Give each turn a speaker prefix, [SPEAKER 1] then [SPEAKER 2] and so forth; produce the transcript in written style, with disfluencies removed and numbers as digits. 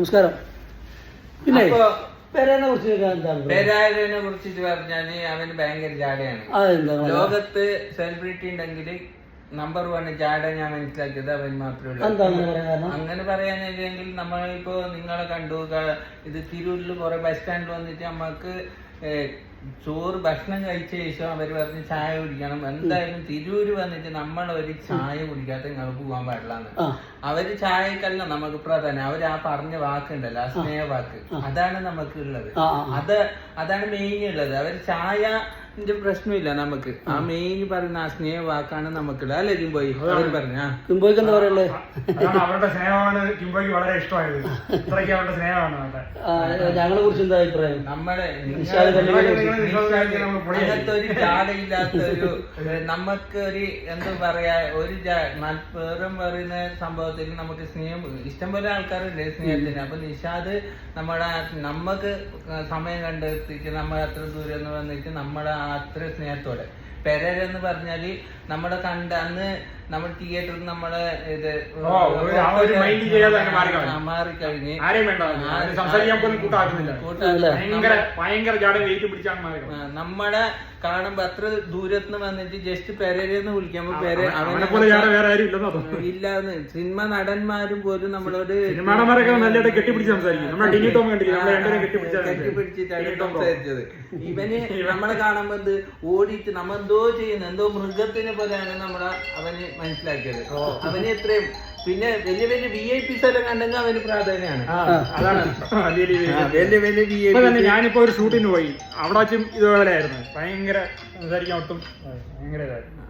[SPEAKER 1] നമസ്കാരം. പിന്നെ പെരേനെ
[SPEAKER 2] കുറിച്ചിട്ട് പറഞ്ഞാല് അവന് ഭയങ്കര ജാടയാണ്. ലോകത്ത് സെലിബ്രിറ്റി ഉണ്ടെങ്കിൽ നമ്പർ 1 ജാട ഞാൻ മനസ്സിലാക്കിയത് അവൻ മാത്രമേ ഉള്ളൂ. അങ്ങനെ പറയാനില്ലെങ്കിൽ നമ്മളിപ്പോ നിങ്ങളെ കണ്ടു, ഇത് തിരൂരിൽ കുറെ ബസ് സ്റ്റാൻഡിൽ വന്നിട്ട് നമ്മക്ക് ചോറ് ഭക്ഷണം കഴിച്ച ശേഷം അവര് പറഞ്ഞ് ചായ കുടിക്കണം. എന്തായാലും തിരൂര് വന്നിട്ട് നമ്മളൊരു ചായ കുടിക്കാത്ത നിങ്ങൾക്ക് പോകാൻ പാടില്ലാന്ന്. അവര് ചായക്കല്ല നമുക്ക് പ്രാധാന്യം, അവര് ആ പറഞ്ഞ വാക്കുണ്ടല്ലോ, ആ സ്നേഹ വാക്ക്, അതാണ് നമുക്ക് ഉള്ളത്. അതാണ് മെയിൻ ഉള്ളത്. അവര് ചായന്റെ പ്രശ്നമില്ല നമുക്ക്, ആ മെയിൻ പറയുന്ന ആ സ്നേഹ വാക്കാണ് നമുക്കുള്ളത്. അല്ലേ കിംബോയ്? അവര് പറഞ്ഞ
[SPEAKER 1] കിംബോയ്ക്ക് എന്താ പറയുള്ളത്?
[SPEAKER 3] അവരുടെ സ്നേഹമാണ് കിംബോയ്ക്ക് വളരെ ഇഷ്ടമായത്. ഇത്രയ്ക്ക് അവരുടെ സ്നേഹമാണ്.
[SPEAKER 1] ഞങ്ങളെ കുറിച്ച് എന്താ അഭിപ്രായം?
[SPEAKER 2] നമ്മളെ അങ്ങനത്തെ ഒരു ജാടയില്ലാത്തൊരു, നമുക്ക് ഒരു എന്താ പറയാ, ഒരു വേറും പറയുന്ന സംഭവത്തിൽ നമുക്ക് സ്നേഹം, ഇഷ്ടംപോലെ ആൾക്കാരുണ്ട് സ്നേഹത്തിന്. അപ്പൊ നിഷാദ് നമ്മക്ക് സമയം കണ്ടെത്തിച്ച് നമ്മൾ അത്ര ദൂരം എന്ന് വന്നിട്ട് നമ്മളെ അത്ര സ്നേഹത്തോടെ. പെരേരെന്ന് പറഞ്ഞാല് നമ്മളെ കണ്ട അന്ന് നമ്മൾ തിയേറ്ററിൽ നമ്മളെ ഇത് മാറിക്കഴിഞ്ഞ് നമ്മളെ കാണുമ്പോ അത്ര ദൂരത്തുനിന്ന് വന്നിട്ട് ജസ്റ്റ് പെരേരെന്ന് വിളിക്കുമ്പോ ഇല്ലാന്ന് സിനിമ നടന്മാരും പോലും നമ്മളോട് കെട്ടിപ്പിടിച്ചിട്ടാണ് സംസാരിച്ചത്. ഇവന് നമ്മളെ കാണുമ്പോ എന്ത് ഓടിയിട്ട് നമ്മ എന്തോ ചെയ്യുന്നു, എന്തോ മൃഗത്തിനെ പോലെയാണ് നമ്മളെ അവന് മനസ്സിലാക്കിയത്. അവന് എത്രയും പിന്നെ വലിയ വലിയ VIPs എല്ലാം കണ്ടെങ്കിൽ അവന് പ്രാധാന്യമാണ്. വലിയ വലിയ VIP.
[SPEAKER 3] ഞാനിപ്പോ ഒരു ഷൂട്ടിന് പോയി, അവിടെ വെച്ചും ഇതുപോലെ ആയിരുന്നു. ഭയങ്കര സംസാരിക്കാൻ ഒട്ടും ഭയങ്കര ഇതായിരുന്നു.